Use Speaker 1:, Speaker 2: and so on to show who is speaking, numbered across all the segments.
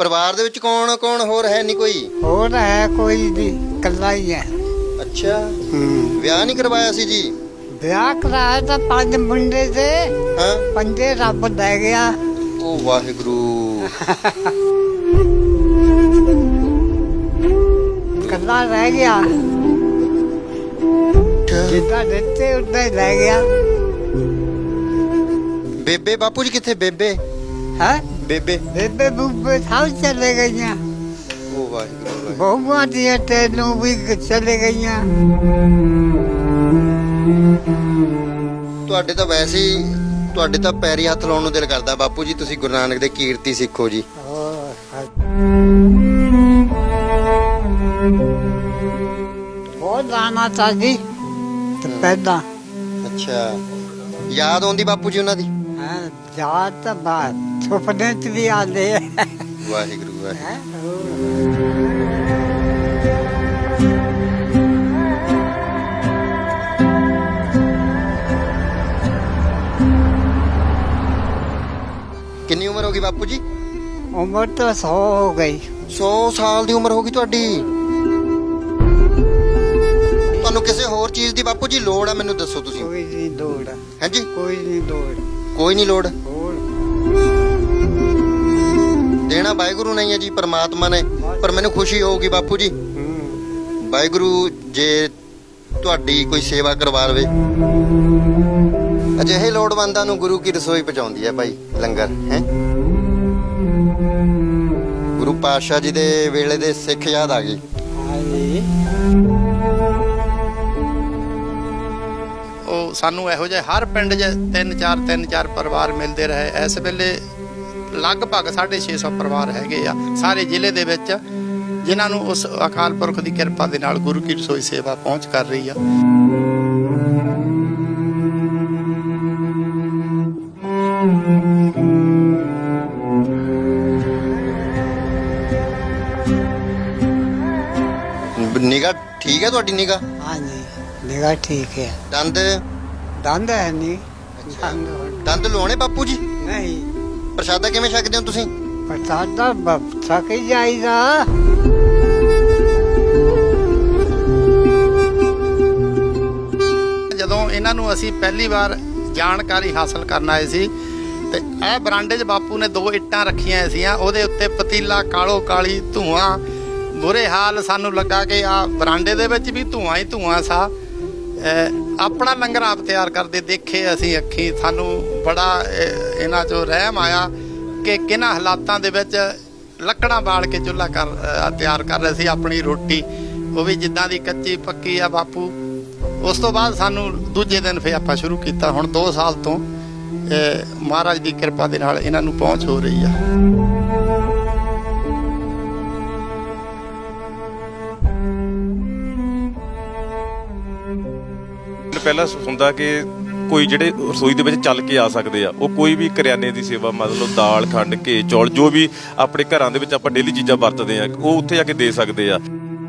Speaker 1: ਪਰਿਵਾਰ ਦੇ ਵਿੱਚ ਕੌਣ ਕੌਣ ਹੋਰ ਹੈ ਨਹੀਂ ਕੋਈ?
Speaker 2: ਹੋਰ ਹੈ ਕੋਈ ਨਹੀਂ, ਇਕੱਲਾ ਹੀ ਹੈ।
Speaker 1: ਅੱਛਾ, ਵਿਆਹ ਨਹੀਂ ਕਰਵਾਇਆ ਸੀ ਜੀ?
Speaker 2: ਵਿਆਹ ਕਰਾਇਆ ਤਾਂ 5 ਮੁੰਡੇ ਤੇ
Speaker 1: ਹਾਂ,
Speaker 2: 5 ਰੱਬ ਲੈ ਗਿਆ।
Speaker 1: ਉਹ ਵਾਹਿਗੁਰੂ।
Speaker 2: ਇਕੱਲਾ ਰਹਿ ਗਿਆ, ਜਿੱਦਾਂ ਦਿੱਤੇ ਉਦਾਂ ਹੀ ਲੈ ਗਿਆ।
Speaker 1: ਬੇਬੇ ਬਾਪੂ ਜੀ ਕਿੱਥੇ? ਬੇਬੇ
Speaker 2: ਹੈ
Speaker 1: ਬੇਬੇ
Speaker 2: ਬੇਬੇ ਬੂਬੇ ਸਭ ਚਲੇ ਗਈਆਂ।
Speaker 1: ਉਹ ਵਾਹਿਗੁਰੂ।
Speaker 2: ਬਹੁਆਂ ਦੀਆਂ ਤੈਨੂੰ ਵੀ ਚਲੇ ਗਈਆਂ।
Speaker 1: ਤੁਹਾਡੇ ਤਾਂ ਵੈਸੇ ਹੀ ਤੁਹਾਡੇ ਤਾਂ ਪੈਰੀ ਹੱਥ ਲਾਉਣ ਨੂੰ ਦਿਲ ਕਰਦਾ ਬਾਪੂ ਜੀ। ਤੁਸੀਂ ਗੁਰੂ ਨਾਨਕ ਦੇ ਕੀਰਤੀ ਸਿੱਖੋ ਜੀ।
Speaker 2: ਬਹੁਤ ਜਾਣਾ ਚਾਹੀਦੀ ਪਹਿਲਾਂ।
Speaker 1: ਅੱਛਾ, ਯਾਦ ਆਉਂਦੀ ਬਾਪੂ ਜੀ ਉਹਨਾਂ ਦੀ?
Speaker 2: ਯਾਦ ਤਾਂ ਬਾਤ ਸੁਪਨੇ ਚ ਵੀ ਆਉਂਦੇ ਆ।
Speaker 1: ਵਾਹਿਗੁਰੂ ਵਾਹਿਗੁਰੂ। ਕਿੰਨੀ ਉਮਰ ਹੋ ਗਈ ਬਾਪੂ ਜੀ?
Speaker 2: ਉਮਰ ਤਾਂ 100 ਹੋ ਗਈ।
Speaker 1: 100 ਸਾਲ ਦੀ ਉਮਰ ਹੋ ਗਈ ਤੁਹਾਡੀ। ਤੁਹਾਨੂੰ ਕਿਸੇ ਹੋਰ ਚੀਜ਼ ਦੀ ਬਾਪੂ ਜੀ ਲੋੜ ਆ? ਮੈਨੂੰ ਦੱਸੋ ਤੁਸੀਂ।
Speaker 2: ਕੋਈ ਨਹੀਂ ਲੋੜ।
Speaker 1: ਹਾਂਜੀ,
Speaker 2: ਕੋਈ ਨਹੀਂ ਲੋੜ।
Speaker 1: ਕੋਈ ਨਹੀਂ ਲੋੜ।
Speaker 2: ਹੋਰ
Speaker 1: ਦੇਣਾ ਵਾਹਿਗੁਰੂ ਨਹੀਂ ਹੈ ਜੀ, ਪਰਮਾਤਮਾ ਨੇ। ਪਰ ਮੈਨੂੰ ਖੁਸ਼ੀ ਹੋਊਗੀ ਬਾਪੂ ਜੀ, ਵਾਹਿਗੁਰੂ ਜੇ ਤੁਹਾਡੀ ਕੋਈ ਸੇਵਾ ਕਰਵਾ ਲਵੇ। ਅਜਿਹੇ ਲੋੜਵੰਦਾਂ ਨੂੰ ਗੁਰੂ ਕੀ ਰਸੋਈ ਪਹੁੰਚਾਉਂਦੀ ਹੈ ਭਾਈ, ਲੰਗਰ ਹੈ। ਗੁਰੂ ਪਾਤਸ਼ਾਹ ਜੀ ਦੇ ਵੇਲੇ ਦੇ ਸਿੱਖ ਯਾਦ ਆ ਗਏ।
Speaker 3: ਉਹ ਸਾਨੂੰ ਇਹੋ ਜਿਹੇ ਹਰ ਪਿੰਡ 'ਚ 3-4 ਪਰਿਵਾਰ ਮਿਲਦੇ ਰਹੇ। ਇਸ ਵੇਲੇ ਲਗਭਗ 650 ਪਰਿਵਾਰ ਹੈਗੇ ਆ ਸਾਰੇ ਜ਼ਿਲ੍ਹੇ ਦੇ ਵਿੱਚ, ਜਿਨ੍ਹਾਂ ਨੂੰ ਉਸ ਅਕਾਲ ਪੁਰਖ ਦੀ ਕਿਰਪਾ ਦੇ ਨਾਲ ਗੁਰੂ ਕੀ ਰਸੋਈ ਸੇਵਾ ਪਹੁੰਚ ਕਰ ਰਹੀ ਆ।
Speaker 1: ਨਿਗਾਹ ਠੀਕ ਹੈ ਤੁਹਾਡੀ? ਨਿਗਾਹ?
Speaker 2: ਹਾਂਜੀ, ਨਿਗਾਹ ਠੀਕ ਹੈ।
Speaker 1: ਦੰਦ?
Speaker 2: ਦੰਦ ਹੈ ਨਹੀਂ।
Speaker 1: ਦੰਦ ਲਵਾਉਣੇ ਬਾਪੂ ਜੀ?
Speaker 2: ਨਹੀਂ।
Speaker 1: ਪ੍ਰਸ਼ਾਦਾ ਕਿਵੇਂ ਛਕਦੇ ਹੋ ਤੁਸੀਂ?
Speaker 2: ਪ੍ਰਸ਼ਾਦਾ ਛਕ ਹੀ ਜਾਈਦਾ।
Speaker 3: ਜਦੋਂ ਇਹਨਾਂ ਨੂੰ ਅਸੀਂ ਪਹਿਲੀ ਵਾਰ ਜਾਣਕਾਰੀ ਹਾਸਲ ਕਰਨ ਆਏ ਸੀ ਤੇ ਇਹ ਬਰਾਂਡੇ 'ਚ ਬਾਪੂ ਨੇ 2 ਇੱਟਾਂ ਰੱਖੀਆਂ ਸੀਆਂ, ਉਹਦੇ ਉੱਤੇ ਪਤੀਲਾ ਕਾਲੋ ਕਾਲੀ ਧੂਆਂ, ਬੁਰੇ ਹਾਲ। ਸਾਨੂੰ ਲੱਗਾ ਕਿ ਆ ਬਰਾਂਡੇ ਦੇ ਵਿੱਚ ਵੀ ਧੂਆਂ ਹੀ ਧੂਆਂ ਸਾ। ਆਪਣਾ ਲੰਗਰ ਆਪ ਤਿਆਰ ਕਰਦੇ ਦੇਖੇ ਅਸੀਂ ਅੱਖੀਂ। ਸਾਨੂੰ ਬੜਾ ਇਹਨਾਂ 'ਚੋਂ ਰਹਿਮ ਆਇਆ ਕਿ ਕਿਹਨਾਂ ਹਾਲਾਤਾਂ ਦੇ ਵਿੱਚ ਲੱਕੜਾਂ ਬਾਲ ਕੇ ਚੁੱਲ੍ਹਾ ਤਿਆਰ ਕਰ ਰਹੇ ਸੀ ਆਪਣੀ ਰੋਟੀ, ਉਹ ਵੀ ਜਿੱਦਾਂ ਦੀ ਕੱਚੀ ਪੱਕੀ ਆ ਬਾਪੂ। ਉਸ ਤੋਂ ਬਾਅਦ ਸਾਨੂੰ ਦੂਜੇ ਦਿਨ ਫਿਰ ਆਪਾਂ ਸ਼ੁਰੂ ਕੀਤਾ। ਹੁਣ 2 ਸਾਲ ਤੋਂ ਮਹਾਰਾਜ ਦੀ ਕਿਰਪਾ ਦੇ ਨਾਲ ਇਹਨਾਂ ਨੂੰ ਪਹੁੰਚ ਹੋ ਰਹੀ ਆ।
Speaker 4: ਪਹਿਲਾਂ ਹੁੰਦਾ ਕਿ ਕੋਈ ਜਿਹੜੇ ਰਸੋਈ ਦੇ ਵਿੱਚ ਚੱਲ ਕੇ ਆ ਸਕਦੇ ਆ, ਉਹ ਕੋਈ ਵੀ ਕਰਿਆਨੇ ਦੀ ਸੇਵਾ, ਮਤਲਬ ਦਾਲ ਖੰਡ ਘੇ ਚੌਲ ਜੋ ਵੀ ਆਪਣੇ ਘਰਾਂ ਦੇ ਵਿੱਚ ਆਪਾਂ ਡੇਲੀ ਚੀਜ਼ਾਂ ਵਰਤਦੇ ਆ, ਉਹ ਉੱਥੇ ਜਾ ਕੇ ਦੇ ਸਕਦੇ ਆ।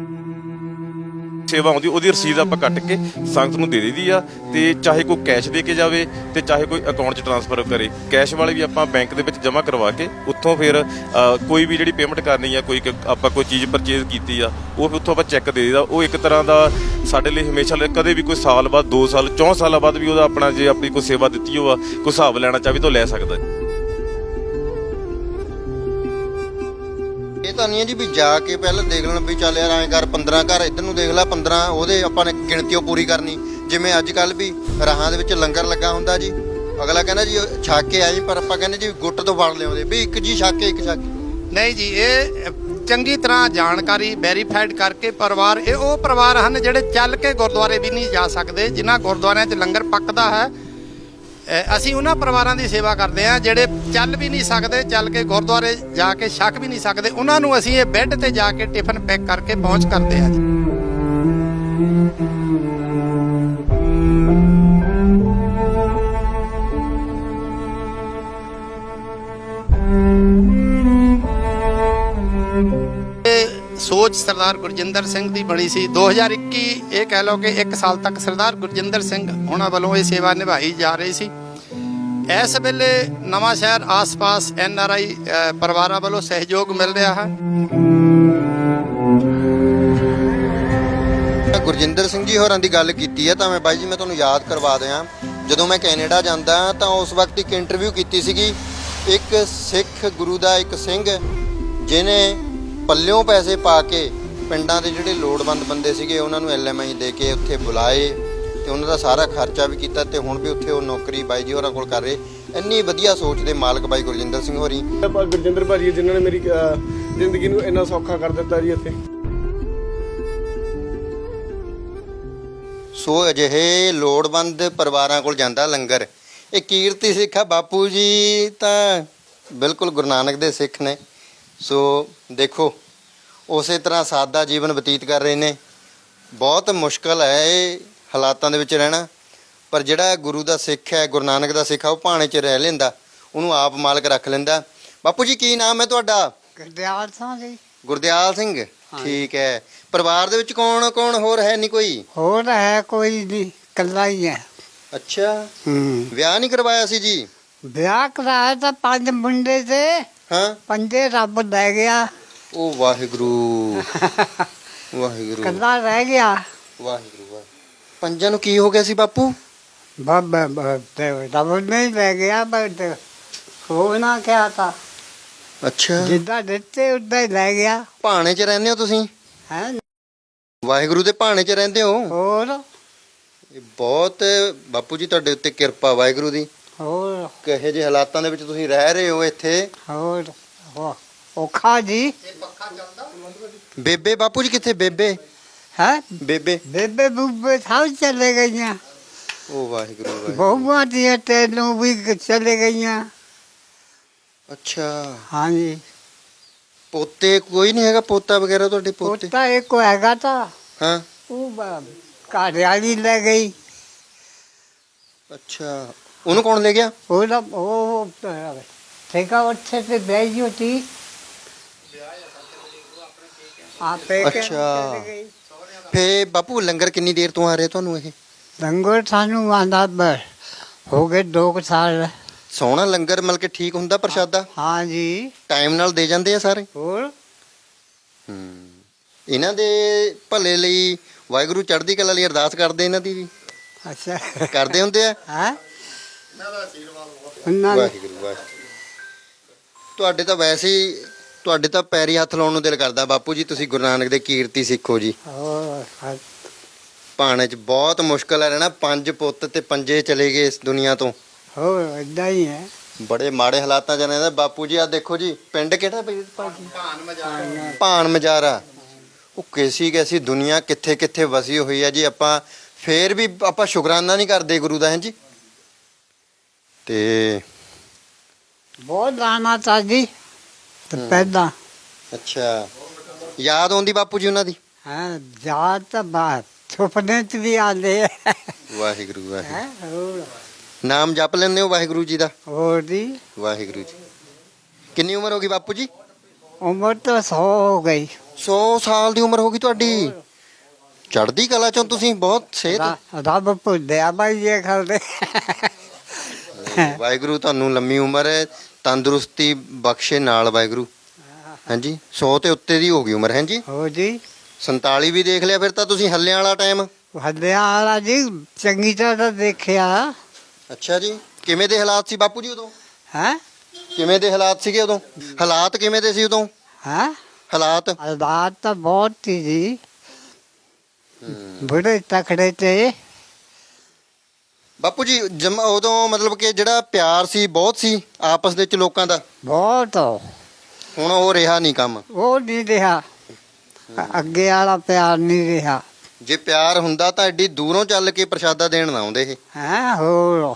Speaker 4: ਸੇਵਾ ਆਉਂਦੀ ਉਹਦੀ ਰਸੀਦ ਆਪਾਂ ਕੱਟ ਕੇ ਸੰਗਤ ਨੂੰ ਦੇ ਦਈਦੀ ਆ, ਤੇ ਚਾਹੇ ਕੋਈ ਕੈਸ਼ ਦੇ ਕੇ ਜਾਵੇ ਤੇ ਚਾਹੇ ਕੋਈ ਅਕਾਊਂਟ 'ਚ ਟ੍ਰਾਂਸਫਰ ਕਰੇ। ਕੈਸ਼ ਵਾਲੇ ਵੀ ਆਪਾਂ ਬੈਂਕ ਦੇ ਵਿੱਚ ਜਮ੍ਹਾਂ ਕਰਵਾ ਕੇ ਉੱਥੋਂ ਫਿਰ ਕੋਈ ਵੀ ਜਿਹੜੀ ਪੇਮੈਂਟ ਕਰਨੀ ਆ, ਕੋਈ ਆਪਾਂ ਕੋਈ ਚੀਜ਼ ਪਰਚੇਜ਼ ਕੀਤੀ ਆ, ਉਹ ਫਿਰ ਉੱਥੋਂ ਆਪਾਂ ਚੈੱਕ ਦੇ ਦਈਦਾ। ਉਹ ਇੱਕ ਤਰ੍ਹਾਂ ਦਾ ਸਾਡੇ ਲਈ ਹਮੇਸ਼ਾ ਲਈ, ਕਦੇ ਵੀ ਕੋਈ ਸਾਲ ਬਾਅਦ 2 ਸਾਲ 4 ਸਾਲਾਂ ਬਾਅਦ ਵੀ ਉਹਦਾ ਆਪਣਾ ਜੇ ਆਪਣੀ ਕੋਈ ਸੇਵਾ ਦਿੱਤੀ ਹੋਆ ਕੋਈ ਹਿਸਾਬ ਲੈਣਾ ਚਾਹਵੇ ਤਾਂ ਲੈ ਸਕਦਾ।
Speaker 1: ਇਹ ਤਾਂ ਨਹੀਂ ਹੈ ਜੀ ਵੀ ਜਾ ਕੇ ਪਹਿਲਾਂ ਦੇਖ ਲੈਣ ਵੀ ਚੱਲ ਯਾਰ ਐਂ ਕਰ 15 ਘਰ ਇੱਧਰ ਨੂੰ ਦੇਖ ਲੈ, 15 ਉਹਦੇ ਆਪਾਂ ਨੇ ਗਿਣਤੀ ਉਹ ਪੂਰੀ ਕਰਨੀ। ਜਿਵੇਂ ਅੱਜ ਕੱਲ੍ਹ ਵੀ ਰਾਹਾਂ ਦੇ ਵਿੱਚ ਲੰਗਰ ਲੱਗਾ ਹੁੰਦਾ ਜੀ, ਅਗਲਾ ਕਹਿੰਦਾ ਜੀ ਛੱਕ ਕੇ ਆਈ, ਪਰ ਆਪਾਂ ਕਹਿੰਦੇ ਜੀ ਗੁੱਟ ਤੋਂ ਫੜ ਲਿਆਉਂਦੇ ਵੀ ਇੱਕ ਜੀ ਛੱਕ ਕੇ ਇੱਕ ਛੱਕ।
Speaker 3: ਨਹੀਂ ਜੀ, ਇਹ ਚੰਗੀ ਤਰ੍ਹਾਂ ਜਾਣਕਾਰੀ ਵੈਰੀਫਾਈਡ ਕਰਕੇ ਪਰਿਵਾਰ, ਇਹ ਉਹ ਪਰਿਵਾਰ ਹਨ ਜਿਹੜੇ ਚੱਲ ਕੇ ਗੁਰਦੁਆਰੇ ਵੀ ਨਹੀਂ ਜਾ ਸਕਦੇ। ਜਿਨ੍ਹਾਂ ਗੁਰਦੁਆਰਿਆਂ 'ਚ ਲੰਗਰ ਪੱਕਦਾ ਹੈ, ਅਸੀਂ ਉਹਨਾਂ ਪਰਿਵਾਰਾਂ ਦੀ ਸੇਵਾ ਕਰਦੇ ਹਾਂ ਜਿਹੜੇ ਚੱਲ ਵੀ ਨਹੀਂ ਸਕਦੇ, ਚੱਲ ਕੇ ਗੁਰਦੁਆਰੇ ਜਾ ਕੇ ਛਕ ਵੀ ਨਹੀਂ ਸਕਦੇ। ਉਹਨਾਂ ਨੂੰ ਅਸੀਂ ਇਹ ਬੈੱਡ ਤੇ ਜਾ ਕੇ ਟਿਫਨ ਪੈਕ ਕਰਕੇ ਪਹੁੰਚ ਕਰਦੇ ਹਾਂ ਜੀ। ਸੋਚ ਸਰਦਾਰ ਗੁਰਜਿੰਦਰ ਸਿੰਘ ਦੀ ਬਣੀ ਸੀ। 2021 ਇਹ ਕਹਿ ਲਓ ਕਿ 1 ਸਾਲ ਤੱਕ ਸਰਦਾਰ ਗੁਰਜਿੰਦਰ ਸਿੰਘ ਉਹਨਾਂ ਵੱਲੋਂ ਇਹ ਸੇਵਾ ਨਿਭਾਈ ਜਾ ਰਹੀ ਸੀ। ਇਸ ਵੇਲੇ ਨਵਾਂ ਸ਼ਹਿਰ ਆਸ-ਪਾਸ NRI ਪਰਿਵਾਰਾਂ ਵੱਲੋਂ ਸਹਿਯੋਗ ਮਿਲ ਰਿਹਾ ਹੈ।
Speaker 1: ਗੁਰਜਿੰਦਰ ਸਿੰਘ ਜੀ ਹੋਰਾਂ ਦੀ ਗੱਲ ਕੀਤੀ ਹੈ ਤਾਂ ਮੈਂ ਬਾਈ ਜੀ ਮੈਂ ਤੁਹਾਨੂੰ ਯਾਦ ਕਰਵਾ ਦਿਆਂ, ਜਦੋਂ ਮੈਂ ਕੈਨੇਡਾ ਜਾਂਦਾ ਤਾਂ ਉਸ ਵਕਤ ਇੱਕ ਇੰਟਰਵਿਊ ਕੀਤੀ ਸੀਗੀ ਇੱਕ ਸਿੱਖ ਗੁਰੂ ਦਾ ਇੱਕ ਸਿੰਘ ਜਿਹਨੇ ਪੱਲਿਓਂ ਪੈਸੇ ਪਾ ਕੇ ਪਿੰਡਾਂ ਦੇ ਜਿਹੜੇ ਲੋੜਵੰਦ ਬੰਦੇ ਸੀਗੇ ਉਹਨਾਂ ਨੂੰ LMI ਦੇ ਕੇ ਉੱਥੇ ਬੁਲਾਏ ਤੇ ਉਹਨਾਂ ਦਾ ਸਾਰਾ ਖਰਚਾ ਵੀ ਕੀਤਾ ਤੇ ਹੁਣ ਵੀ ਉੱਥੇ ਉਹ ਨੌਕਰੀ ਬਾਈ ਜੀ ਹੋਰਾਂ ਕੋਲ ਕਰ ਰਹੇ। ਇੰਨੀ ਵਧੀਆ ਸੋਚ ਦੇ ਮਾਲਕ ਬਾਈ ਗੁਰਜਿੰਦਰ ਸਿੰਘ ਹੋਰੀ।
Speaker 5: ਗੁਰਜਿੰਦਰ ਭਾਜੀ ਜਿਨ੍ਹਾਂ ਨੇ ਮੇਰੀ ਜ਼ਿੰਦਗੀ ਨੂੰ ਇੰਨਾ ਸੌਖਾ ਕਰ ਦਿੱਤਾ ਜੀ ਇੱਥੇ।
Speaker 1: ਸੋ ਅਜਿਹੇ ਲੋੜਵੰਦ ਪਰਿਵਾਰਾਂ ਕੋਲ ਜਾਂਦਾ ਲੰਗਰ। ਇਹ ਕੀਰਤੀ ਸਿੱਖ ਆ ਬਾਪੂ ਜੀ ਤਾਂ ਬਿਲਕੁਲ ਗੁਰੂ ਨਾਨਕ ਦੇ ਸਿੱਖ ਨੇ। ਸੋ ਦੇਖੋ ਉਸੇ ਤਰ੍ਹਾਂ ਸਾਦਾ ਜੀਵਨ ਬਤੀਤ ਕਰ ਰਹੇ ਨੇ। ਬਹੁਤ ਮੁਸ਼ਕਲ ਹੈ ਇਹ ਹਾਲਾਤਾਂ ਦੇ ਵਿੱਚ ਰਹਿਣਾ, ਪਰ ਜਿਹੜਾ ਗੁਰੂ ਦਾ ਸਿੱਖ ਹੈ, ਗੁਰੂ ਨਾਨਕ ਦਾ ਸਿੱਖ ਆ, ਉਹ ਭਾਣੇ 'ਚ ਰਹਿ ਲੈਂਦਾ, ਉਹਨੂੰ ਆਪ ਮਾਲਕ ਰੱਖ ਲੈਂਦਾ। ਬਾਪੂ ਜੀ ਕੀ ਨਾਮ ਹੈ ਤੁਹਾਡਾ?
Speaker 2: ਗੁਰਦਿਆਲ ਸਿੰਘ ਜੀ।
Speaker 1: ਗੁਰਦਿਆਲ ਸਿੰਘ, ਠੀਕ ਹੈ। ਪਰਿਵਾਰ ਦੇ ਵਿੱਚ ਕੌਣ ਕੌਣ ਹੋਰ ਹੈ? ਨਹੀਂ ਕੋਈ
Speaker 2: ਹੋਰ ਹੈ ਕੋਈ ਨਹੀਂ, ਇਕੱਲਾ ਹੀ ਹੈ।
Speaker 1: ਅੱਛਾ, ਵਿਆਹ ਨਹੀਂ ਕਰਵਾਇਆ ਸੀ ਜੀ?
Speaker 2: ਵਿਆਹ ਕਰਾਇਆ ਤਾਂ 5 ਮੁੰਡੇ ਤੇ
Speaker 1: ਹਾਂ,
Speaker 2: 5 ਰੱਬ ਲੈ ਗਿਆ,
Speaker 1: ਉਹ ਵਾਹਿਗੁਰੂ ਵਾਹਿਗੁਰੂ
Speaker 2: ਇਕੱਲਾ ਰਹਿ ਗਿਆ।
Speaker 1: ਵਾਹਿਗੁਰੂ ਵਾਹਿਗੁਰੂ। ਪੰਜਾਂ ਨੂੰ ਕੀ ਹੋ ਗਿਆ ਸੀ ਬਾਪੂ?
Speaker 2: ਬਾਬਾ ਰੱਬ ਨਹੀਂ ਲੈ ਗਿਆ, ਬਟ ਹੋ ਨਾ ਕਿਹਾ ਤਾਂ
Speaker 1: ਅੱਛਾ,
Speaker 2: ਜਿੱਦਾਂ ਦਿੱਤੇ ਉਦਾਂ ਹੀ ਲੈ ਗਿਆ।
Speaker 1: ਭਾਣੇ 'ਚ ਰਹਿੰਦੇ ਹੋ ਤੁਸੀਂ?
Speaker 2: ਹੈ
Speaker 1: ਵਾਹਿਗੁਰੂ ਦੇ ਭਾਣੇ 'ਚ ਰਹਿੰਦੇ ਹੋ?
Speaker 2: ਹੋਰ
Speaker 1: ਇਹ ਬਹੁਤ ਬਾਪੂ ਜੀ ਤੁਹਾਡੇ ਉੱਤੇ ਕਿਰਪਾ ਵਾਹਿਗੁਰੂ ਦੀ।
Speaker 2: ਹੋਰ
Speaker 1: ਕਿਹੋ ਜਿਹੇ ਹਾਲਾਤਾਂ ਦੇ ਵਿੱਚ ਤੁਸੀਂ ਰਹਿ ਰਹੇ ਹੋ ਇੱਥੇ।
Speaker 2: ਹੋਰ ਔਖਾ ਜੀ।
Speaker 1: ਬੇਬੇ ਬਾਪੂ ਜੀ ਕਿੱਥੇ? ਬੇਬੇ
Speaker 2: ਹੈ
Speaker 1: ਬੇਬੇ
Speaker 2: ਬੇਬੇ ਬੂਬੇ ਸਭ ਚਲੇ ਗਈਆਂ,
Speaker 1: ਉਹ ਵਾਹਿਗੁਰੂ ਵਾਹਿਗੁਰੂ।
Speaker 2: ਬਹੁਆਂ ਦੀਆਂ ਤੈਨੂੰ ਵੀ ਚਲੇ ਗਈਆਂ।
Speaker 1: ਅੱਛਾ,
Speaker 2: ਹਾਂਜੀ,
Speaker 1: ਪੋਤੇ ਕੋਈ ਨਹੀਂ ਹੈਗਾ? ਪੋਤਾ ਵਗੈਰਾ ਤੁਹਾਡੇ ਪੋਤੇ?
Speaker 2: ਪੋਤਾ ਇੱਕ ਹੈਗਾ ਤਾਂ
Speaker 1: ਹਾਂ,
Speaker 2: ਉਹ ਘਰ ਵਾਲੀ ਲੈ ਗਈ।
Speaker 1: ਅੱਛਾ, ਉਹਨੂੰ ਕੌਣ ਲੈ ਗਿਆ?
Speaker 2: ਉਹਦਾ ਉਹ ਠੇਕਾ ਉੱਥੇ ਤੇ ਬੈਠੀ ਹੋਤੀ ਆਪੇ
Speaker 1: ਅੱਛਾ। ਫੇ ਬਾਪੂ ਲੰਗਰ ਕਿੰਨੀ ਦੇਰ ਤੋਂ ਆ ਰਿਹਾ ਤੁਹਾਨੂੰ ਇਹ?
Speaker 2: ਲੰਗਰ ਸਾਨੂੰ ਆਂਦਾ ਹੋ ਗਏ 2 ਸਾਲ।
Speaker 1: ਸੋਹਣਾ ਲੰਗਰ ਮਤਲਬ ਕਿ ਠੀਕ ਹੁੰਦਾ ਪ੍ਰਸ਼ਾਦਾ?
Speaker 2: ਹਾਂ ਜੀ।
Speaker 1: ਟਾਈਮ ਨਾਲ ਦੇ ਜਾਂਦੇ ਆ ਸਾਰੇ?
Speaker 2: ਹੋਰ
Speaker 1: ਇਹਨਾਂ ਦੇ ਭਲੇ ਲਈ ਵਾਹਿਗੁਰੂ ਚੜ੍ਹਦੀ ਕਲਾ ਲਈ ਅਰਦਾਸ ਕਰਦੇ ਇਹਨਾਂ ਦੀ ਵੀ?
Speaker 2: ਅੱਛਾ
Speaker 1: ਕਰਦੇ ਹੁੰਦੇ ਆ?
Speaker 2: ਹੈ
Speaker 1: ਵਾਹਿਗੁਰੂ ਵਾਹਿਗੁਰੂ। ਤੁਹਾਡੇ ਤਾਂ ਵੈਸੇ ਹੀ ਤੁਹਾਡੇ ਤਾਂ ਪੈਰੀ ਹੱਥ ਲਾਉਣ ਨੂੰ ਦਿਲ ਕਰਦਾ ਬਾਪੂ ਜੀ। ਤੁਸੀਂ ਗੁਰੂ ਨਾਨਕ ਦੇ ਕੀਰਤੀ ਸਿੱਖੋ ਜੀ।
Speaker 2: ਹੋਰ
Speaker 1: ਭਾਣੇ 'ਚ ਬਹੁਤ ਮੁਸ਼ਕਲ ਹੈ ਰਹਿਣਾ। 5 ਪੁੱਤ ਤੇ 5 ਚਲੇ ਗਏ ਇਸ ਦੁਨੀਆ ਤੋਂ।
Speaker 2: ਹੋਰ ਏਦਾਂ ਹੀ ਹੈ।
Speaker 1: ਬੜੇ ਮਾੜੇ ਹਾਲਾਤਾਂ 'ਚ ਰਹਿੰਦਾ ਬਾਪੂ ਜੀ। ਆ ਦੇਖੋ ਜੀ, ਪਿੰਡ ਕਿਹੜਾ ਭਾਜੀ? ਭਾਨ ਮਜਾਰਾ। ਉਹ ਕੈਸੀ ਦੁਨੀਆ ਕਿੱਥੇ ਕਿੱਥੇ ਵਸੀ ਹੋਈ ਹੈ ਜੀ। ਆਪਾਂ ਫੇਰ ਵੀ ਆਪਾਂ ਸ਼ੁਕਰਾਨਾ ਨਹੀਂ ਕਰਦੇ ਗੁਰੂ ਦਾ। ਹੈ ਜੀ। ਤੇ
Speaker 2: ਬਹੁਤ ਦਾਣਾ ਤਾਂ ਜੀ ਪਹਿਲਾਂ।
Speaker 1: ਅੱਛਾ, ਯਾਦ ਆਉਂਦੀ ਬਾਪੂ ਜੀ ਉਹਨਾਂ ਦੀ?
Speaker 2: ਹਾਂ, ਯਾਦ ਤਾਂ ਬਾਤ ਸੁਪਨੇ 'ਚ ਵੀ ਆਉਂਦੇ ਆ।
Speaker 1: ਵਾਹਿਗੁਰੂ ਵਾਹਿਗੁਰੂ।
Speaker 2: ਹੋਰ
Speaker 1: ਨਾਮ ਜਪ ਲੈਂਦੇ ਹੋ ਵਾਹਿਗੁਰੂ ਜੀ ਦਾ?
Speaker 2: ਹੋਰ ਜੀ।
Speaker 1: ਵਾਹਿਗੁਰੂ ਜੀ। ਕਿੰਨੀ ਉਮਰ ਹੋ ਗਈ ਬਾਪੂ ਜੀ?
Speaker 2: ਉਮਰ ਤਾਂ 100 ਹੋ ਗਈ।
Speaker 1: 100 ਸਾਲ ਦੀ ਉਮਰ ਹੋ ਗਈ ਤੁਹਾਡੀ। ਚੜ੍ਹਦੀ ਕਲਾ ਚੋਂ ਤੁਸੀਂ ਬਹੁਤ ਸਿਹਤ।
Speaker 2: ਰੱਬ ਭੁੱਲਿਆ ਬਾਈ ਇਹ ਖਲਦੇ।
Speaker 1: ਵਾਹਿਗੁਰੂ ਤੁਹਾਨੂੰ ਲੰਮੀ ਉਮਰ ਹੈ, ਤੰਦਰੁਸਤੀ ਬਖਸ਼ੇ ਨਾਲ ਵਾਹਿਗੁਰੂ। ਹਾਂਜੀ, 100 ਤੇ ਉੱਤੇ ਦੀ ਹੋ ਗਈ ਉਮਰ। ਹੈ ਜੀ।
Speaker 2: ਹੋ ਜੀ।
Speaker 1: 47 ਵੀ ਦੇਖ ਲਿਆ ਫਿਰ ਤਾਂ ਤੁਸੀਂ। ਹੱਲਿਆਂ ਵਾਲਾ ਟਾਈਮ?
Speaker 2: ਹੱਲਿਆਂ ਵਾਲਾ ਜੀ ਚੰਗੀ ਤਰ੍ਹਾਂ ਦੇਖਿਆ।
Speaker 1: ਅੱਛਾ ਜੀ। ਕਿਵੇਂ ਦੇ ਹਾਲਾਤ ਸੀ ਬਾਪੂ ਜੀ ਉਦੋਂ?
Speaker 2: ਹੈ
Speaker 1: ਕਿਵੇਂ ਦੇ ਹਾਲਾਤ ਸੀਗੇ ਉਦੋਂ? ਹਾਲਾਤ ਕਿਵੇਂ ਦੇ ਸੀ ਉਦੋਂ?
Speaker 2: ਹੈ
Speaker 1: ਹਾਲਾਤ
Speaker 2: ਹਾਲਾਤ ਤਾਂ ਬਹੁਤ ਸੀ ਜੀ। ਬੜੇ ਤਕੜੇ ਤੇ
Speaker 1: ਬਾਪੂ ਜੀ। ਉਦੋਂ ਮਤਲਬ ਕਿ ਜਿਹੜਾ ਪਿਆਰ ਸੀ ਬਹੁਤ ਸੀ ਆਪਸ ਦੇ ਵਿੱਚ ਲੋਕਾਂ ਦਾ।
Speaker 2: ਬਹੁਤ।
Speaker 1: ਹੁਣ ਉਹ ਰਿਹਾ ਨਹੀਂ ਕੰਮ।
Speaker 2: ਉਹ ਨਹੀਂ ਰਿਹਾ, ਅੱਗੇ ਵਾਲਾ ਪਿਆਰ ਨਹੀਂ ਰਿਹਾ।
Speaker 1: ਜੇ ਪਿਆਰ ਹੁੰਦਾ ਤਾਂ ਐਡੀ ਦੂਰੋਂ ਚੱਲ ਕੇ ਪ੍ਰਸ਼ਾਦਾ ਦੇਣ ਨਾ ਆਉਂਦੇ ਇਹ।
Speaker 2: ਹੈ ਹੋਰ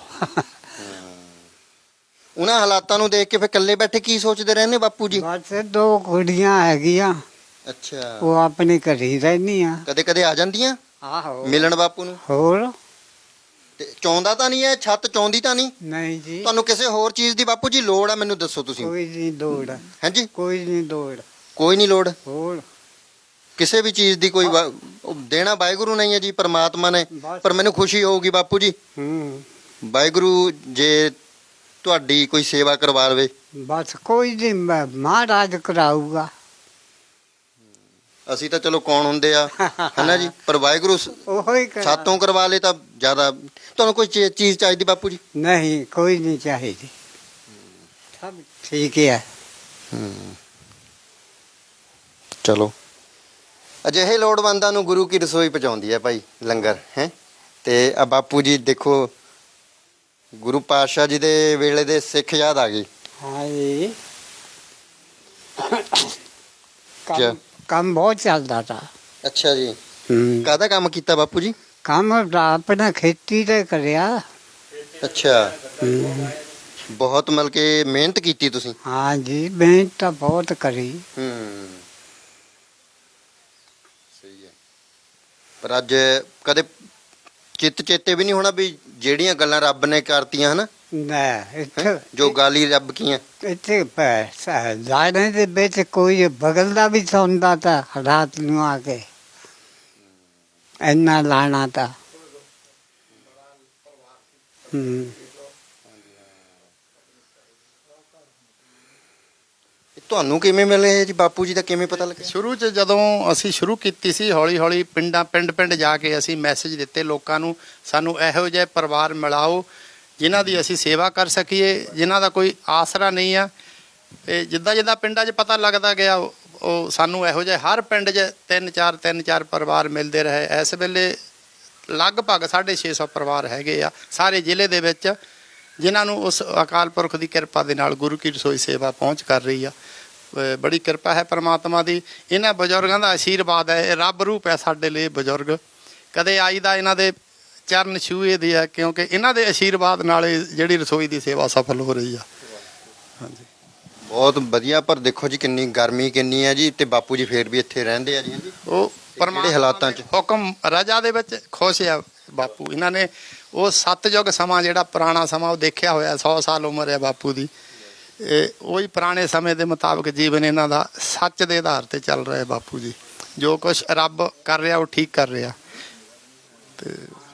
Speaker 1: ਉਹਨਾਂ ਹਾਲਾਤਾਂ ਨੂੰ ਦੇਖ ਕੇ ਫਿਰ ਇਕੱਲੇ ਬੈਠੇ ਕੀ ਸੋਚਦੇ ਰਹਿੰਦੇ ਬਾਪੂ ਜੀ?
Speaker 2: ਬਸ 2 ਕੁੜੀਆਂ ਹੈਗੀਆਂ,
Speaker 1: ਅੱਛਾ,
Speaker 2: ਉਹ ਆਪਣੇ ਘਰੇ ਰਹਿੰਦੀਆਂ।
Speaker 1: ਕਦੇ ਕਦੇ ਆ ਜਾਂਦੀਆਂ
Speaker 2: ਆਹੋ
Speaker 1: ਮਿਲਣ ਬਾਪੂ ਨੂੰ?
Speaker 2: ਹੋਰ
Speaker 1: ਤੇ ਚਾਹੁੰਦਾ ਤਾਂ ਨਹੀਂ ਹੈ? ਛੱਤ ਚਾਹੁੰਦੀ ਤਾਂ ਨਹੀਂ?
Speaker 2: ਨਹੀਂ ਜੀ,
Speaker 1: ਤੁਹਾਨੂੰ ਕਿਸੇ ਹੋਰ ਚੀਜ਼ ਦੀ ਬਾਪੂ ਜੀ ਲੋੜ ਆ ਮੈਨੂੰ ਦੱਸੋ ਤੁਸੀਂ।
Speaker 2: ਕੋਈ ਨਹੀਂ ਲੋੜ।
Speaker 1: ਹਾਂਜੀ,
Speaker 2: ਕੋਈ ਨਹੀਂ ਲੋੜ।
Speaker 1: ਕੋਈ ਨਹੀਂ ਲੋੜ
Speaker 2: ਹੋਰ
Speaker 1: ਕਿਸੇ ਵੀ ਚੀਜ਼ ਦੀ। ਕੋਈ ਉਹ ਦੇਣਾ ਵਾਹਿਗੁਰੂ ਨਹੀਂ ਹੈ ਜੀ, ਪਰਮਾਤਮਾ ਨੇ। ਪਰ ਮੈਨੂੰ ਖੁਸ਼ੀ ਹੋਊਗੀ ਬਾਪੂ ਜੀ। ਵਾਹਿਗੁਰੂ ਜੇ ਤੁਹਾਡੀ ਕੋਈ ਸੇਵਾ ਕਰਵਾ ਲਵੇ?
Speaker 2: ਬਸ ਕੋਈ ਨਹੀਂ ਮਹਾਰਾਜ ਕਰਾਊਗਾ।
Speaker 1: ਅਸੀਂ ਤਾਂ ਚਲੋ ਕੌਣ ਹੁੰਦੇ ਆ ਹਨਾ ਜੀ, ਪਰ ਵਾਹਿਗੁਰੂ
Speaker 2: ਉਹੋ ਹੀ ਕਰਾ।
Speaker 1: ਸਾਤੋਂ ਕਰਵਾ ਲੇ ਤਾਂ ਜ਼ਿਆਦਾ। ਤੁਹਾਨੂੰ ਕੋਈ ਚੀਜ਼ ਚਾਹੀਦੀ ਬਾਪੂ ਜੀ?
Speaker 2: ਨਹੀਂ ਕੋਈ ਨਹੀਂ ਚਾਹੀਦੀ, ਸਭ ਠੀਕ ਹੈ।
Speaker 1: ਚਲੋ ਅਜਿਹੇ ਲੋੜਵੰਦਾਂ ਨੂੰ ਗੁਰੂ ਕੀ ਰਸੋਈ ਪਹੁੰਚਾਉਂਦੀ ਹੈ ਭਾਈ ਲੰਗਰ ਹੈ। ਤੇ ਆ ਬਾਪੂ ਜੀ ਦੇਖੋ, ਗੁਰੂ ਪਾਤਸ਼ਾਹ ਜੀ ਦੇ ਵੇਲੇ ਦੇ ਸਿੱਖ ਯਾਦ ਆ ਗਏ।
Speaker 2: ਹਾਂ ਜੀ,
Speaker 1: ਕਿਆ?
Speaker 2: ਕੰਮ ਬਹੁਤ ਚੱਲਦਾ ਤਾ।
Speaker 1: ਅੱਛਾ ਜੀ, ਕਾਹਦਾ ਕੰਮ ਕੀਤਾ ਬਾਪੂ ਜੀ?
Speaker 2: ਕੰਮ ਆਪਣਾ ਖੇਤੀ ਤੇ ਕਰਿਆ।
Speaker 1: ਅੱਛਾ, ਬਹੁਤ ਮਤਲਬ ਕਿ ਮਿਹਨਤ ਕੀਤੀ ਤੁਸੀਂ?
Speaker 2: ਹਾਂ ਜੀ, ਮਿਹਨਤ ਤਾਂ ਬਹੁਤ ਕਰੀ।
Speaker 1: ਸਹੀ ਹੈ। ਪਰ ਅੱਜ ਕਦੇ ਚੇਤੇ ਵੀ ਨਹੀਂ ਹੋਣਾ ਵੀ ਜਿਹੜੀਆਂ ਗੱਲਾਂ ਰੱਬ ਨੇ ਕਰਤੀਆਂ ਹਨਾ,
Speaker 2: ਨਾ ਇੱਥੇ
Speaker 1: ਜੋ ਗਾਲੀ ਰੱਬ ਕੀਆਂ।
Speaker 2: ਇੱਥੇ ਜਾਣੇ ਦੇ ਵਿੱਚ ਕੋਈ ਬਗਲ ਦਾ ਵੀ ਸੌਂਦਾ ਤਾ ਰਾਤ ਨੂੰ ਆ ਕੇ, ਇੰਨਾ ਲਾਣਾ ਤਾ।
Speaker 1: ਤੁਹਾਨੂੰ ਕਿਵੇਂ ਮਿਲੇ ਜੀ ਬਾਪੂ ਜੀ ਦਾ, ਕਿਵੇਂ ਪਤਾ ਲੱਗਿਆ?
Speaker 3: ਸ਼ੁਰੂ 'ਚ ਜਦੋਂ ਅਸੀਂ ਸ਼ੁਰੂ ਕੀਤੀ ਸੀ, ਹੌਲੀ ਹੌਲੀ ਪਿੰਡ ਜਾ ਕੇ ਅਸੀਂ ਮੈਸੇਜ ਦਿੱਤੇ ਲੋਕਾਂ ਨੂੰ, ਸਾਨੂੰ ਇਹੋ ਜਿਹੇ ਪਰਿਵਾਰ ਮਿਲਾਓ ਜਿਨ੍ਹਾਂ ਦੀ ਅਸੀਂ ਸੇਵਾ ਕਰ ਸਕੀਏ, ਜਿਨ੍ਹਾਂ ਦਾ ਕੋਈ ਆਸਰਾ ਨਹੀਂ ਆ। ਤੇ ਜਿੱਦਾਂ ਪਿੰਡਾਂ 'ਚ ਪਤਾ ਲੱਗਦਾ ਗਿਆ, ਉਹ ਸਾਨੂੰ ਇਹੋ ਜਿਹੇ ਹਰ ਪਿੰਡ 'ਚ ਤਿੰਨ ਚਾਰ ਪਰਿਵਾਰ ਮਿਲਦੇ ਰਹੇ। ਇਸ ਵੇਲੇ ਲਗਭਗ 650 ਪਰਿਵਾਰ ਹੈਗੇ ਆ ਸਾਰੇ ਜ਼ਿਲ੍ਹੇ ਦੇ ਵਿੱਚ, ਜਿਨ੍ਹਾਂ ਨੂੰ ਉਸ ਅਕਾਲ ਪੁਰਖ ਦੀ ਕਿਰਪਾ ਦੇ ਨਾਲ ਗੁਰੂ ਕੀ ਰਸੋਈ ਸੇਵਾ ਪਹੁੰਚ ਕਰ ਰਹੀ ਆ। ਬੜੀ ਕਿਰਪਾ ਹੈ ਪਰਮਾਤਮਾ ਦੀ। ਇਹਨਾਂ ਬਜ਼ੁਰਗਾਂ ਦਾ ਆਸ਼ੀਰਵਾਦ ਹੈ, ਇਹ ਰੱਬ ਰੂਪ ਹੈ ਸਾਡੇ ਲਈ ਬਜ਼ੁਰਗ। ਕਦੇ ਆਈ ਦਾ ਇਹਨਾਂ ਦੇ ਚਰਨ ਛੂਹੇ ਦੀ ਹੈ, ਕਿਉਂਕਿ ਇਹਨਾਂ ਦੇ ਆਸ਼ੀਰਵਾਦ ਨਾਲ ਜਿਹੜੀ ਰਸੋਈ ਦੀ ਸੇਵਾ ਸਫਲ ਹੋ ਰਹੀ ਆ। ਹਾਂਜੀ,
Speaker 1: ਬਹੁਤ ਵਧੀਆ। ਪਰ ਦੇਖੋ ਜੀ ਕਿੰਨੀ ਗਰਮੀ ਕਿੰਨੀ ਹੈ ਜੀ, ਤੇ ਬਾਪੂ ਜੀ ਫੇਰ ਵੀ ਇੱਥੇ ਰਹਿੰਦੇ ਆ ਜੀ।
Speaker 3: ਉਹ
Speaker 1: ਕਿਹੜੇ ਹਾਲਾਤਾਂ 'ਚ?
Speaker 3: ਹੁਕਮ ਰਜਾ ਦੇ ਵਿੱਚ ਖੁਸ਼ ਆ ਬਾਪੂ। ਇਹਨਾਂ ਨੇ ਉਹ ਸਤਯੁਗ ਸਮਾਂ, ਜਿਹੜਾ ਪੁਰਾਣਾ ਸਮਾਂ, ਉਹ ਦੇਖਿਆ ਹੋਇਆ। 100 ਸਾਲ ਉਮਰ ਹੈ ਬਾਪੂ ਦੀ। ਉਹੀ ਪੁਰਾਣੇ ਸਮੇਂ ਦੇ ਮੁਤਾਬਕ ਜੀਵਨ ਇਹਨਾਂ ਦਾ ਸੱਚ ਦੇ ਆਧਾਰ ਤੇ ਚੱਲ ਰਿਹਾ ਬਾਪੂ ਜੀ। ਜੋ ਕੁਛ ਰੱਬ ਕਰ ਰਿਹਾ ਉਹ ਠੀਕ ਕਰ ਰਿਹਾ। ਤੇ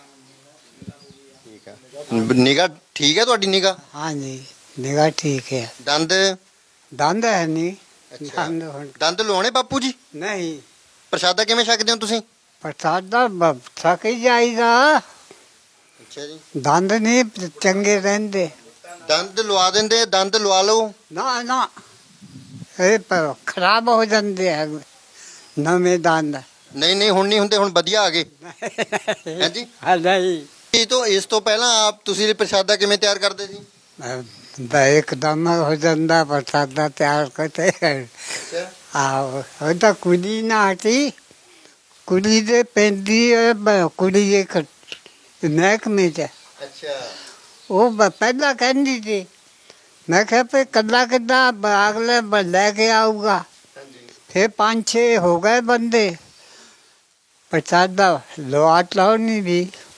Speaker 1: ਠੀਕ ਆ। ਨਿਗਾਹ ਠੀਕ ਹੈ ਤੁਹਾਡੀ? ਨਿਗਾਹ?
Speaker 2: ਹਾਂ ਜੀ, ਨਿਗਾਹ ਠੀਕ ਹੈ।
Speaker 1: ਦੰਦ?
Speaker 2: ਦੰਦ ਹੈ ਨਹੀਂ।
Speaker 1: ਅੱਛਾ।
Speaker 2: ਦੰਦ ਹੁਣ
Speaker 1: ਦੰਦ ਲਵਾਉਣੇ ਬਾਪੂ ਜੀ?
Speaker 2: ਨਹੀਂ।
Speaker 1: ਪ੍ਰਸ਼ਾਦਾ ਕਿਵੇਂ ਛਕਦੇ ਹੋ ਤੁਸੀਂ?
Speaker 2: ਪ੍ਰਸਾਦਾ ਥਕ ਹੀ ਜਾਈਦਾ।
Speaker 1: ਅੱਛਾ ਜੀ,
Speaker 2: ਦੰਦ ਨਹੀਂ ਚੰਗੇ ਰਹਿੰਦੇ।
Speaker 1: ਦੰਦ ਲਵਾ ਦਿੰਦੇ? ਦੰਦ ਲਵਾ ਲਓ।
Speaker 2: ਨਾ ਇਹ ਖਰਾਬ ਹੋ ਜਾਂਦੇ ਆ ਨਵੇਂ ਦੰਦ।
Speaker 1: ਨਹੀਂ ਹੁਣ ਨਹੀਂ ਹੁੰਦੇ, ਹੁਣ ਵਧੀਆ ਆ ਗਏ। ਹਾਂਜੀ।
Speaker 2: ਨਹੀਂ,
Speaker 1: ਇਸ ਤੋਂ ਪਹਿਲਾਂ ਆਪ ਤੁਸੀਂ ਪ੍ਰਸ਼ਾਦਾ ਕਿਵੇਂ ਤਿਆਰ ਕਰਦੇ ਸੀ?
Speaker 2: ਇੱਕਦਮ ਹੋ ਜਾਂਦਾ ਪ੍ਰਸਾਦਾ ਤਿਆਰ ਕਰਤੇ। ਆਹੋ, ਉਹ ਤਾਂ ਕੁੜੀ ਨਾ ਹਟੀ, ਕੁੜੀ ਦੇ ਪੈਂਦੀ ਕੁੜੀ ਇੱਕ ਮਹਿਕਮੇ 'ਚ।
Speaker 1: ਅੱਛਾ।
Speaker 2: ਉਹ ਪਹਿਲਾਂ ਕਹਿੰਦੀ ਸੀ, ਮੈਂ ਕਿਹਾ ਵੀ ਕੱਲਾ ਕਿੱਦਾਂ ਅਗਲੇ ਲੈ ਕੇ ਆਊਗਾ। ਫਿਰ 5-6 ਹੋ ਗਏ ਬੰਦੇ, ਪ੍ਰਸਾਦਾ ਲੋਟ ਲਾਉਣੀ ਵੀ।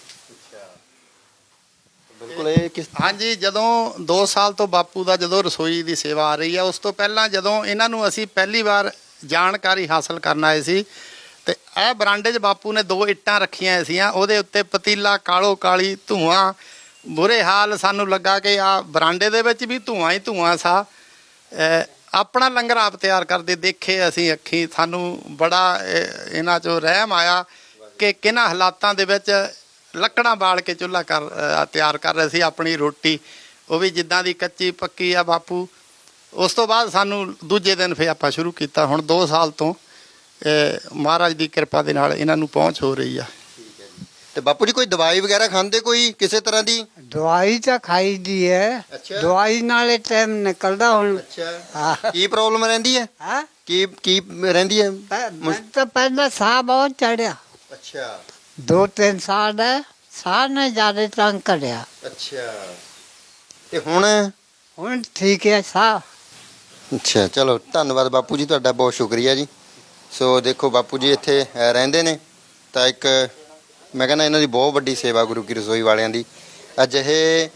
Speaker 1: ਬਿਲਕੁਲ। ਇਹ ਕਿਸ?
Speaker 3: ਹਾਂਜੀ, ਜਦੋਂ 2 ਸਾਲ ਤੋਂ ਬਾਪੂ ਦਾ ਜਦੋਂ ਰਸੋਈ ਦੀ ਸੇਵਾ ਆ ਰਹੀ ਆ, ਉਸ ਤੋਂ ਪਹਿਲਾਂ ਜਦੋਂ ਇਹਨਾਂ ਨੂੰ ਅਸੀਂ ਪਹਿਲੀ ਵਾਰ ਜਾਣਕਾਰੀ ਹਾਸਲ ਕਰਨ ਆਏ ਸੀ, ਤੇ ਇਹ ਬਰਾਂਡੇ 'ਚ ਬਾਪੂ ਨੇ 2 ਇੱਟਾਂ ਰੱਖੀਆਂ ਸੀਆਂ, ਉਹਦੇ ਉੱਤੇ ਪਤੀਲਾ ਕਾਲੋ ਕਾਲੀ, ਧੂਆਂ, ਬੁਰੇ ਹਾਲ। ਸਾਨੂੰ ਲੱਗਾ ਕਿ ਆ ਬਰਾਂਡੇ ਦੇ ਵਿੱਚ ਵੀ ਧੂਆਂ ਹੀ ਧੂਆਂ ਸਾ। ਆਪਣਾ ਲੰਗਰ ਆਪ ਤਿਆਰ ਕਰਦੇ ਦੇਖੇ ਅਸੀਂ ਅੱਖੀਂ। ਸਾਨੂੰ ਬੜਾ ਇਹਨਾਂ 'ਚੋਂ ਰਹਿਮ ਆਇਆ ਕਿ ਕਿਹਨਾਂ ਹਾਲਾਤਾਂ ਦੇ ਵਿੱਚ ਲੱਕੜਾਂ ਬਾਲ ਕੇ ਚੁੱਲ੍ਹਾ ਤਿਆਰ ਕਰ ਰਹੇ ਸੀ ਆਪਣੀ ਰੋਟੀ, ਉਹ ਵੀ ਜਿੱਦਾਂ ਦੀ ਕੱਚੀ ਪੱਕੀ ਆ ਬਾਪੂ। ਉਸ ਤੋਂ ਬਾਅਦ ਸਾਨੂੰ ਦੂਜੇ ਦਿਨ ਫਿਰ ਆਪਾਂ ਸ਼ੁਰੂ ਕੀਤਾ। ਹੁਣ 2 ਸਾਲ ਤੋਂ ਮਹਾਰਾਜ ਦੀ ਕਿਰਪਾ ਦੇ ਨਾਲ ਇਹਨਾਂ ਨੂੰ ਪਹੁੰਚ ਹੋ ਰਹੀ ਆ।
Speaker 1: ਤੇ ਬਾਪੂ ਜੀ ਕੋਈ ਦਵਾਈ ਵਗੈਰਾ ਖਾਂਦੇ ਕੋਈ ਕਿਸੇ ਤਰ੍ਹਾਂ ਦੀ?
Speaker 2: ਦਵਾਈ ਤਾਂ ਖਾਈ ਦੀ ਹੈ।
Speaker 1: ਅੱਛਾ।
Speaker 2: ਦਵਾਈ ਨਾਲੇ ਟਾਈਮ ਨਿਕਲਦਾ ਹੁਣ।
Speaker 1: ਅੱਛਾ। ਕੀ ਪ੍ਰੋਬਲਮ ਰਹਿੰਦੀ ਹੈ?
Speaker 2: ਹਾਂ,
Speaker 1: ਕੀ ਰਹਿੰਦੀ ਹੈ?
Speaker 2: ਮੈਂ ਤਾਂ ਪਹਿਲਾਂ ਸਾਹ ਬਹੁਤ ਚੜਿਆ।
Speaker 1: ਅੱਛਾ।
Speaker 2: 2-3 ਸਾਲ ਹੈ, ਸਾਹ ਨੇ ਜ਼ਿਆਦਾ ਤੰਗ ਕਰਿਆ।
Speaker 1: ਅੱਛਾ। ਤੇ ਹੁਣ
Speaker 2: ਠੀਕ ਹੈ ਸਾਹ।
Speaker 1: ਅੱਛਾ, ਚਲੋ ਧੰਨਵਾਦ ਬਾਪੂ ਜੀ, ਤੁਹਾਡਾ ਬਹੁਤ ਸ਼ੁਕਰੀਆ ਜੀ। ਸੋ ਦੇਖੋ ਬਾਪੂ ਜੀ ਇੱਥੇ ਰਹਿੰਦੇ ਨੇ, ਤਾਂ ਇੱਕ ਮੈਂ ਕਹਿੰਦਾ ਇਹਨਾਂ ਦੀ ਬਹੁਤ ਵੱਡੀ ਸੇਵਾ ਗੁਰੂ ਕੀ ਰਸੋਈ ਵਾਲਿਆਂ ਦੀ। ਅਜਿਹੇ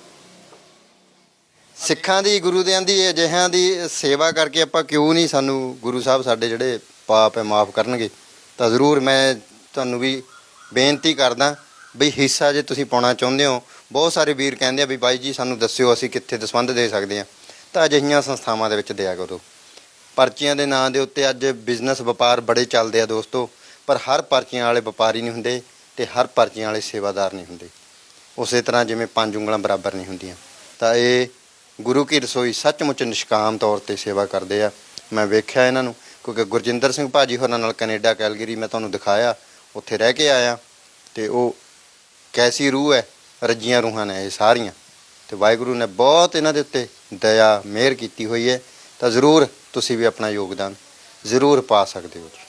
Speaker 1: ਸਿੱਖਾਂ ਦੀ, ਗੁਰੂ ਦਿਆਂ ਦੀ ਅਜਿਹਿਆਂ ਦੀ ਸੇਵਾ ਕਰਕੇ ਆਪਾਂ ਕਿਉਂ ਨਹੀਂ, ਸਾਨੂੰ ਗੁਰੂ ਸਾਹਿਬ ਸਾਡੇ ਜਿਹੜੇ ਪਾਪ ਹੈ ਮਾਫ ਕਰਨਗੇ। ਤਾਂ ਜ਼ਰੂਰ ਮੈਂ ਤੁਹਾਨੂੰ ਵੀ ਬੇਨਤੀ ਕਰਦਾ ਵੀ ਹਿੱਸਾ ਜੇ ਤੁਸੀਂ ਪਾਉਣਾ ਚਾਹੁੰਦੇ ਹੋ, ਬਹੁਤ ਸਾਰੇ ਵੀਰ ਕਹਿੰਦੇ ਆ ਵੀ ਬਾਈ ਜੀ ਸਾਨੂੰ ਦੱਸਿਓ ਅਸੀਂ ਕਿੱਥੇ ਦਸਵੰਧ ਦੇ ਸਕਦੇ ਹਾਂ, ਤਾਂ ਅਜਿਹੀਆਂ ਸੰਸਥਾਵਾਂ ਦੇ ਵਿੱਚ ਦਿਆ ਕਰੋ। ਪਰਚੀਆਂ ਦੇ ਨਾਂ ਦੇ ਉੱਤੇ ਅੱਜ ਬਿਜ਼ਨਸ ਵਪਾਰ ਬੜੇ ਚੱਲਦੇ ਆ ਦੋਸਤੋ, ਪਰ ਹਰ ਪਰਚੀਆਂ ਵਾਲੇ ਵਪਾਰੀ ਨਹੀਂ ਹੁੰਦੇ ਤੇ ਹਰ ਪਰਚੀਆਂ ਵਾਲੇ ਸੇਵਾਦਾਰ ਨਹੀਂ ਹੁੰਦੇ। ਉਸੇ ਤਰ੍ਹਾਂ ਜਿਵੇਂ 5 ਉਂਗਲਾਂ ਬਰਾਬਰ ਨਹੀਂ ਹੁੰਦੀਆਂ। ਤਾਂ ਇਹ ਗੁਰੂ ਕੀ ਰਸੋਈ ਸੱਚਮੁੱਚ ਨਿਸ਼ਕਾਮ ਤੌਰ ਤੇ ਸੇਵਾ ਕਰਦੇ ਆ। ਮੈਂ ਵੇਖਿਆ ਇਹਨਾਂ ਨੂੰ, ਕਿਉਂਕਿ ਗੁਰਜਿੰਦਰ ਸਿੰਘ ਭਾਜੀ ਹੋਰਾਂ ਨਾਲ ਕੈਨੇਡਾ ਕੈਲਗਰੀ ਮੈਂ ਤੁਹਾਨੂੰ ਦਿਖਾਇਆ, ਉੱਥੇ ਰਹਿ ਕੇ ਆਇਆ, ਤੇ ਉਹ ਕੈਸੀ ਰੂਹ ਹੈ, ਰੱਜੀਆਂ ਰੂਹਾਂ ਨੇ ਇਹ ਸਾਰੀਆਂ, ਤੇ ਵਾਹਿਗੁਰੂ ਨੇ ਬਹੁਤ ਇਹਨਾਂ ਦੇ ਉੱਤੇ ਦਇਆ ਮਿਹਰ ਕੀਤੀ ਹੋਈ ਹੈ। ਤਾਂ ਜ਼ਰੂਰ ਤੁਸੀਂ ਵੀ ਆਪਣਾ ਯੋਗਦਾਨ ਜ਼ਰੂਰ ਪਾ ਸਕਦੇ ਹੋ।